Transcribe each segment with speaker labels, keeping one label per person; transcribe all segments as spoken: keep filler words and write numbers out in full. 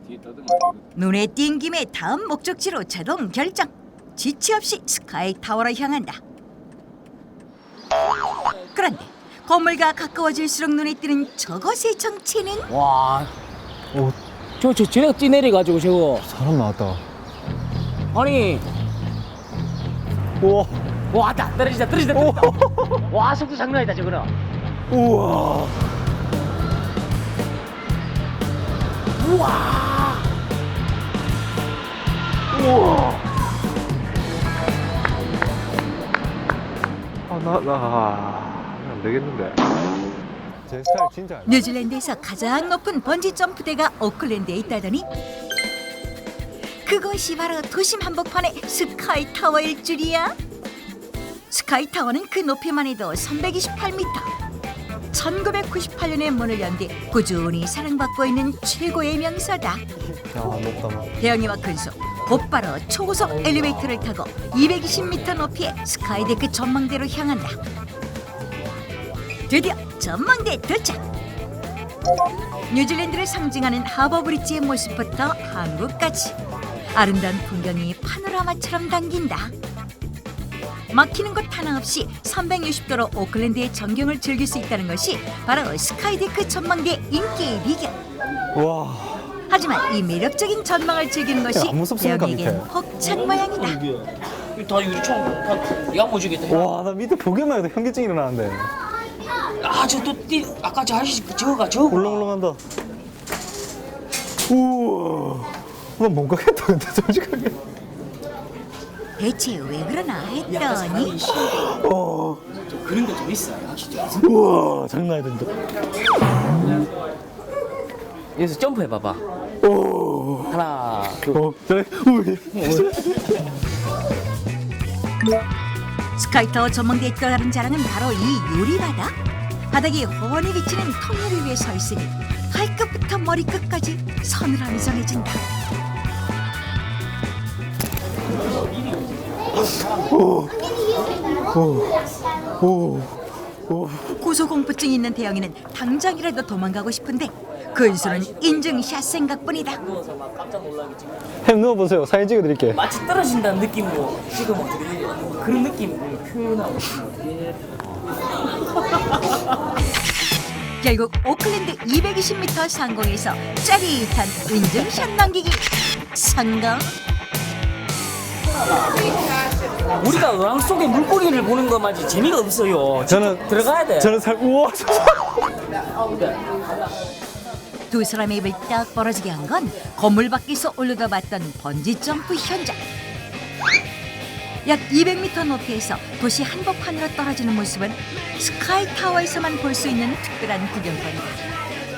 Speaker 1: 눈에 띈 김에 다음 목적지로 자동 결정. 지체 없이 스카이 타워로 향한다. 그런데 건물과 가까워질수록 눈에 띄는 저것의 정체는
Speaker 2: 와, 오, 저, 저, 쟤네가 뛰내려가지고 저거.
Speaker 3: 사람 나왔다.
Speaker 2: 아니,
Speaker 3: 우와.
Speaker 2: 와, 왔다. 떨어지다, 떨어지다, 떨어지다. 와, 속도 장난 아니다, 저거는.
Speaker 3: 우와.
Speaker 2: 우와.
Speaker 3: 우와. 아, 나, 나, 안 되겠는데. 제 스타일 진짜 알다.
Speaker 1: 뉴질랜드에서 가장 높은 번지 점프대가 오클랜드에 있다더니 그것이 바로 도심 한복판의 스카이 타워일 줄이야. 스카이 타워는 그 높이만 해도 삼백이십팔 미터. 천구백구십팔 년에 문을 연 뒤 꾸준히 사랑받고 있는 최고의 명소다.
Speaker 3: 야, 높다, 뭐.
Speaker 1: 대형이와 근소 곧바로 초고속 엘리베이터를 타고 이백이십 미터 높이의 스카이데크 전망대로 향한다. 드디어 전망대 도착. 뉴질랜드를 상징하는 하버 브릿지의 모습부터 한국까지 아름다운 풍경이 파노라마처럼 당긴다. 막히는 곳 하나 없이 삼백육십 도로 오클랜드의 전경을 즐길 수 있다는 것이 바로 스카이데크 전망대의 인기의 비결.
Speaker 3: 와.
Speaker 1: 하지만 이 매력적인 전망을 즐기는 것이
Speaker 3: 안 무섭습니까,
Speaker 1: 대형에겐
Speaker 3: 밑에?
Speaker 1: 혹찬 모양이다.
Speaker 2: 다 유리총, 다 야무지겠다.
Speaker 3: 와, 나 밑에 보기만 해도 현기증이 일어나는데.
Speaker 2: 아, 저 또 뛰, 아까 저 아저씨 저거가 저거.
Speaker 3: 울렁울렁한다. 우와. 나 못 가겠다, 근데 솔직하게.
Speaker 1: 대체 왜 그러나 했더니
Speaker 3: 어.
Speaker 2: 그런 거 좀 있어, 확실히.
Speaker 3: 우와, 장난 아니다, 진짜.
Speaker 2: 여기서 점프해봐봐.
Speaker 3: 오.
Speaker 2: 하나, 둘.
Speaker 3: 어, 저래. 우이.
Speaker 1: 스카이타워 전망대에 또 다른 자랑은 바로 이 유리바다. 바닥이 훤히 비치는 통유리 위에 서 있으니 발끝부터 머리끝까지 서늘함이 전해진다.
Speaker 3: 오. 오. 오.
Speaker 1: 고소공포증이 있는 대영이는 당장이라도 도망가고 싶은데 근수는 인증샷 생각뿐이다.
Speaker 3: 햄 넣어보세요. 사진 찍어드릴게.
Speaker 2: 마치 떨어진다는 느낌으로 찍으면 어떻게 돼? 그런 느낌을 표현하고 있는
Speaker 1: 결국 오클랜드 이백이십 미터 상공에서 짜릿한 인증샷 남기기 성공.
Speaker 2: 우리가 어항 속에 물고기를 보는 것만이 재미가 없어요.
Speaker 3: 저는
Speaker 2: 들어가야 돼.
Speaker 3: 저는 살 우와.
Speaker 1: 두 사람의 입을 딱 벌어지게 한 건 건물 밖에서 올려다봤던 번지 점프 현장. 약 이백 미터 높이에서 도시 한복판으로 떨어지는 모습은 스카이 타워에서만 볼 수 있는 특별한 구경거리다.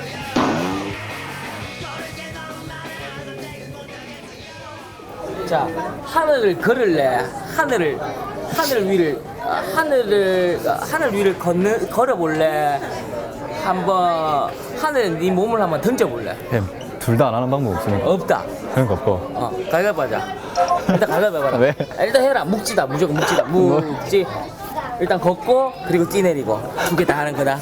Speaker 2: 자, 하늘을 걸을래. 하늘을 하늘 위를 아, 하늘을 아, 하늘 위를 걷는 걸어볼래. 한번 하늘에 네 몸을 한번 던져볼래.
Speaker 3: 햄. 둘 다 안 하는 방법 없으니까.
Speaker 2: 없다.
Speaker 3: 그러니까 없고.
Speaker 2: 어, 가위바위보 하자. 일단 가위바위보 해봐라.
Speaker 3: 왜?
Speaker 2: 아, 일단 해라. 묵지다. 무조건 묵지다. 묵지. 일단 걷고 그리고 뛰내리고 두 개 다 하는 거다.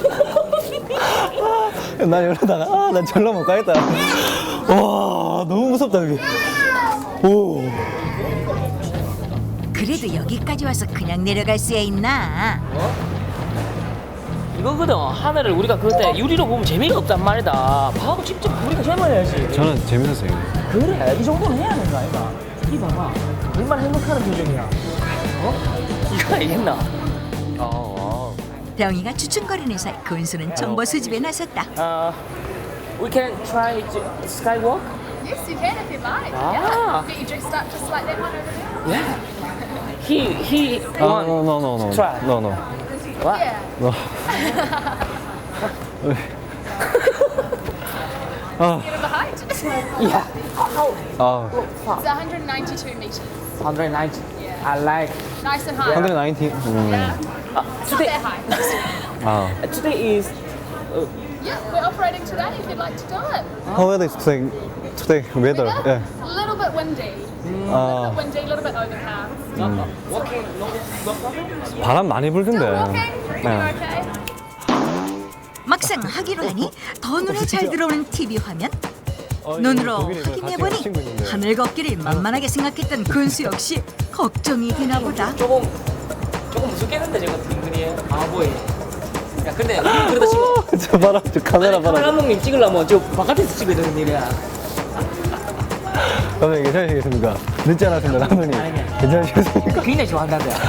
Speaker 3: 난 이러다가 아, 난 절로 못 가겠다. 와, 너무 무섭다 여기. 오.
Speaker 1: 그래도 여기까지 와서 그냥 내려갈 수야 있나?
Speaker 2: 이거거든. 하늘을 우리가 그때 유리로 보면 재미가 없단 말이다. 봐고 직접 우리가 해봐야지.
Speaker 3: 저는 재밌었어요.
Speaker 2: 그래, 이 정도는 해야 되는 거 아이가? 이 봐봐. 얼마나 행복하는 표정이야. 어? 이거 알겠나? 어,
Speaker 1: 대영이가 주춤거리는 사이 근수는 정보 수집에 나섰다.
Speaker 2: 어, we can try to skywalk?
Speaker 4: Yes, you can if you like.
Speaker 2: Ah.
Speaker 4: Yeah. Get you dressed up just like that one over there.
Speaker 2: Yeah. He, he
Speaker 3: 아,
Speaker 2: want
Speaker 3: no, no, no, no.
Speaker 2: try.
Speaker 3: No, no.
Speaker 2: What?
Speaker 4: Yeah.
Speaker 3: No. 아,
Speaker 4: Get over height. It's
Speaker 2: Yeah. Oh,
Speaker 3: 아,
Speaker 2: fuck.
Speaker 4: one hundred ninety-two meters.
Speaker 2: one hundred ninety. I like.
Speaker 4: Nice and high.
Speaker 3: one ninety. 음.
Speaker 4: Yeah.
Speaker 2: Uh,
Speaker 4: It's not
Speaker 2: today,
Speaker 4: that high.
Speaker 3: 아,
Speaker 2: today is. Uh,
Speaker 4: Yeah, we're operating today if you'd like to do it.
Speaker 3: how weather is today? Today weather.
Speaker 4: Weather?
Speaker 3: 예.
Speaker 4: A little bit windy. A
Speaker 3: 아,
Speaker 4: little bit windy, a little bit overcast.
Speaker 2: walking. No, no problem.
Speaker 3: 바람 많이 불던데.
Speaker 4: Still walking? You
Speaker 3: 네.
Speaker 4: okay?
Speaker 1: 막상 하기로 하니 더 눈에 잘 들어오는 티비 화면.
Speaker 3: 어,
Speaker 1: 눈으로
Speaker 3: 독일에 이거 같이
Speaker 1: 확인해보니
Speaker 3: 친구 있는데.
Speaker 1: 하늘 걷기를 만만하게 생각했던 근수 역시 걱정이 되나 보다.
Speaker 2: 조금 조금 무섭겠는데 저거 빙그리에 바보에. 야 근데 우리 그러다 지금
Speaker 3: 저 봐라, 저 카메라
Speaker 2: 카메라
Speaker 3: 봐라.
Speaker 2: 감독님 찍으려면 저 바깥에서 찍어야 되는 일이야.
Speaker 3: 감독님 괜찮으시겠습니까? 늦지 않았습니다, 감독님.
Speaker 2: 아니야.
Speaker 3: 괜찮으시겠습니까?
Speaker 2: 굉장히 좋아한다는데.